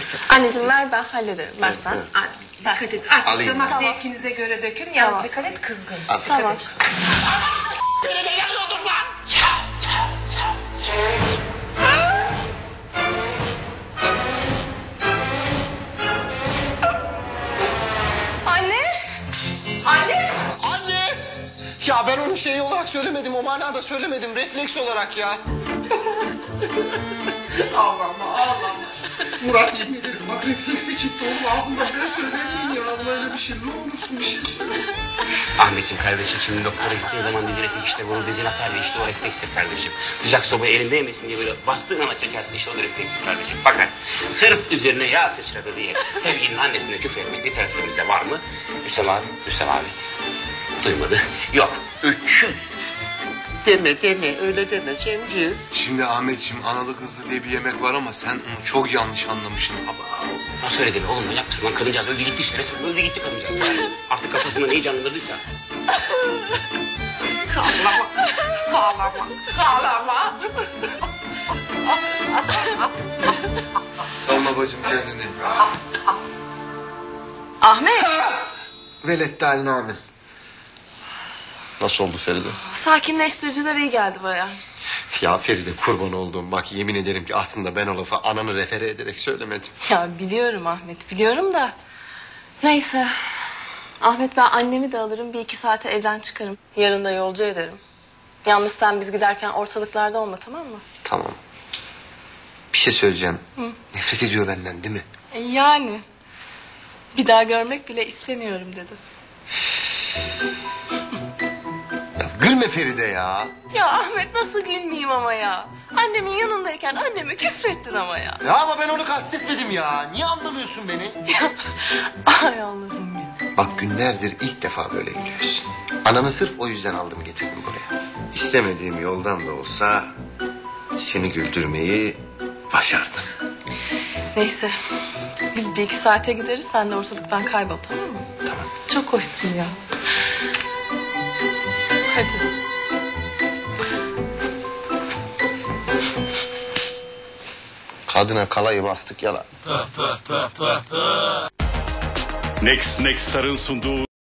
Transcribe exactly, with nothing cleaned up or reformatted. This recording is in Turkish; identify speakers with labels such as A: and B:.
A: Neyse.
B: Anneciğim ver, ben hallederim. Ver sen.
A: Evet.
B: Anne,
C: Dikkat et. Artık
A: Alayım
C: damak
A: ben.
C: zevkinize göre dökün. Yalnız
B: Tamam.
C: dikkat et, kızgın.
A: Al.
C: Dikkat
B: Tamam.
C: et, kızgın.
A: Beni de yanıyordum lan.
B: Anne! Anne!
A: Anne! Ya ben onu şey olarak söylemedim, o manada söylemedim. Refleks olarak ya. Ağlama, ağlama. Murat yemin ederim bak refleksle çıktı oğlum ağzımda. Ben söylemeyin ya. Böyle bir şey ne olursun bir şey söyle.
D: Ahmetciğim kardeşim şimdi doktora gittiği zaman dizine işte bunu dizine atar ve işte o reflekstir kardeşim. Sıcak sobayı elinde yemesin diye böyle bastığın ama çekersin işte o da reflekstir kardeşim. Fakat sırf üzerine yağ sıçradı diye sevgilinin annesine küfür etmek literatürümüzde var mı? Hüsam abi, Hüsam abi. Duymadı. Yok. Üç yüz. Deme deme öyle deme Cemciğim.
E: Şimdi Ahmetciğim analı kızlı diye bir yemek var ama sen onu çok yanlış anlamışsın. Aba.
D: Nasıl öyle deme oğlum manyak mısın lan kadıncağız öldü gitti işte resmen öldü gitti kadıncağız. Artık kafasında neyi canlandırdıysa.
A: Ağlama, ağlama, ağlama.
E: Salma bacım kendini.
B: Ahmet!
A: Velette haline amin. Nasıl oldu Feride?
B: Sakinleştiriciler iyi geldi baya.
A: Ya Feride kurban olduğum bak yemin ederim ki aslında ben o lafı ananı refere ederek söylemedim.
B: Ya biliyorum Ahmet, biliyorum da. Neyse. Ahmet, ben annemi de alırım, bir iki saate evden çıkarım. Yarın da yolcu ederim. Yalnız sen biz giderken ortalıklarda olma, tamam mı?
A: Tamam. Bir şey söyleyeceğim. Hı. Nefret ediyor benden değil mi?
B: E yani. Bir daha görmek bile istemiyorum dedi.
A: Ya gülme Feride ya.
B: Ya Ahmet, nasıl gülmeyeyim ama ya? Annemin yanındayken anneme küfrettin ama ya.
A: Ya ama ben onu kastetmedim ya. Niye anlamıyorsun beni?
B: Ya, ay Allah'ım ya.
A: Bak günlerdir ilk defa böyle gülüyorsun. Ananı sırf o yüzden aldım getirdim buraya. İstemediğim yoldan da olsa seni güldürmeyi başardım.
B: Neyse. Biz bir iki saate gideriz, sen de ortalıktan kaybol, tamam mı?
A: Tamam.
B: Çok hoşsun ya. Hadi.
A: Kadına kalayı bastık yalan.
F: Next Next Star'ın sunduğu